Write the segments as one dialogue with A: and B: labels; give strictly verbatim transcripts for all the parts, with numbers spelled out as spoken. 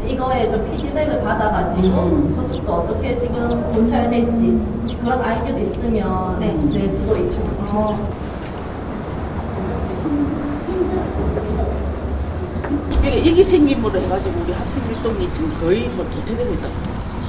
A: 이거에 좀 피드백을 받아가지고 저쪽도 어떻게 지금 본찰될지 그런 아이디어도 있으면
B: 네.
A: 낼 수도 있고.
B: 어.
C: 그러니까 이게 생김으로 해가지고 우리 학생 활동이 지금 거의 뭐 도태되고 있다고 봐야지.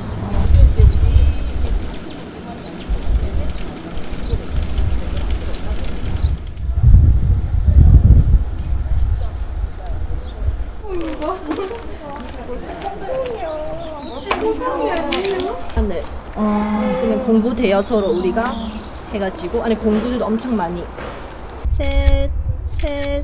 A: 네. 어, 그러면 공부 대여서로 우리가 해가지고 아니 공부도 엄청 많이 셋, 셋.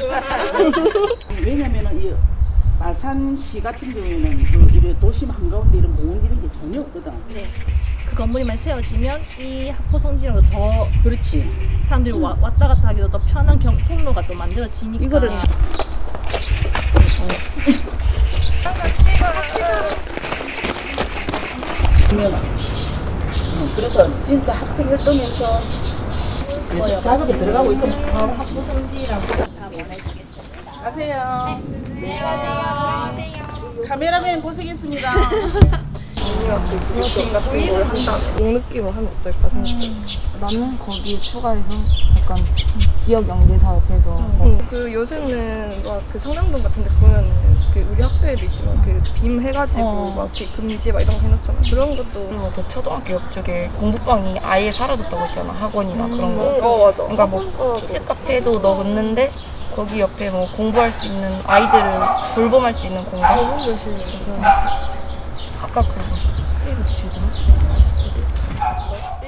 C: 왜냐면은 이 마산시 같은 경우에는 그 이런 도심 한가운데 이런 공원 이런 게 전혀 없거든.
A: 네. 그 건물이만 세워지면 이 학포 성지랑도 더
C: 그렇지.
A: 사람들이 와, 왔다 갔다 하기도 더 편한 경, 통로가 또 만들어지니까
C: 이거를 사- 그러면 어, 그래서 진짜 학생 활동에서 계속 작업이 들어가고 있으면
A: 바로 학포 성지랑 다 보내주겠습니다.
C: 가세요. 네, 가세요. 카메라맨 고생했습니다.
D: 느낌 같은 걸 한다면 그 느낌을 하면 어떨까 생각해.
B: 나는 거기에 추가해서 약간 지역 연계 사업해서
D: 응. 그 요새는 막 그 성남동 같은 데 보면은 그 우리 학교에도 있지만 그 빔 해가지고
B: 어.
D: 막 이렇게 금지 막 이런 거 해놓잖아. 그런 것도
E: 그리고 그 초등학교 옆쪽에 공부방이 아예 사라졌다고 했잖아. 학원이나 그런 거.
D: 어 맞아.
E: 그러니까 뭐 키즈 카페도 넣었는데 거기 옆에 뭐 공부할 수 있는 아이들을 돌봄할 수 있는 공간.
D: 너무 열심히 해.
E: 아까 그 무슨 세이브 칠드런?